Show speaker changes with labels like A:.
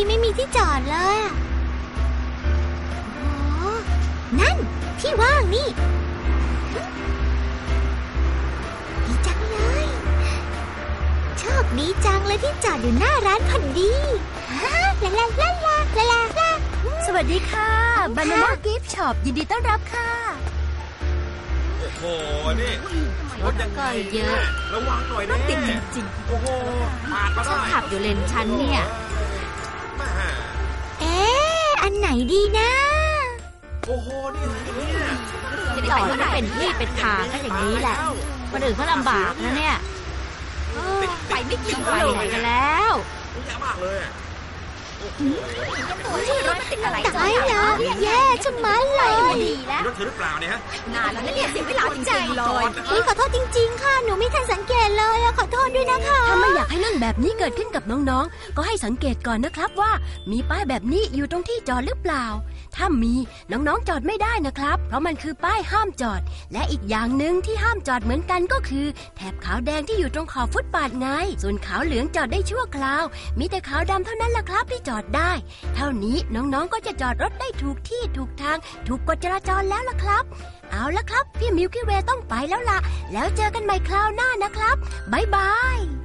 A: ไม่มีที่จอดเลยอ๋อนั่นที่ว่างนี่ดีจังเลยโชคดีจังเลยที่จอดอยู่หน้าร้านพอดีลาลาลาลาลาลาลา
B: สวัสดีค่ะ Banana Gift Shop ยินดีต้อนรับค่ะ
C: โอ้โหนี่รถยังไงเยอะระวังหน่อยนะ
B: ติดจริง
C: โอ้โหปาดมาได้
A: ฉันขับอยู่เลนฉันเนี่ยอันไหนดีนะ
C: โอ้โหนี่เนี่ย
A: จะจอดไม่เป็นที่เป็นทางก็อย่างนี้แหละคนอื่นเขาลำบากนะเนี่ยไปไม่กี่ไปไหนกันแล้ว
C: เยอะมากเลย
A: รถติดอะไรตายแล้วแย่ชะมัดเลย
C: รถเธอหรือเปล่าเนี่ยฮะ
A: นานแล้วเนี่ยเสียเวลาจริงๆเลยขอโทษจริงๆค่ะหนูไม่ทันสังเกตเลยขอโทษด้วยนะคะ
B: ถ้าไม่อยากให้เรื่องแบบนี้เกิดขึ้นกับน้องๆก็ให้สังเกตก่อนนะครับว่ามีป้ายแบบนี้อยู่ตรงที่จอดหรือเปล่าถ้ามีน้องๆจอดไม่ได้นะครับเพราะมันคือป้ายห้ามจอดและอีกอย่างหนึ่งที่ห้ามจอดเหมือนกันก็คือแถบขาวแดงที่อยู่ตรงขอบฟุตบาทไงส่วนขาวเหลืองจอดได้ชั่วคราวมีแต่ขาวดำเท่านั้นล่ะครับที่จอดได้เท่านี้น้องๆก็จะจอดรถได้ถูกที่ถูกทางถูกกฎจราจรแล้วล่ะครับเอาละครับพี่มิลกี้เวย์ต้องไปแล้วล่ะแล้วเจอกันใหม่คราวหน้านะครับบ๊ายบาย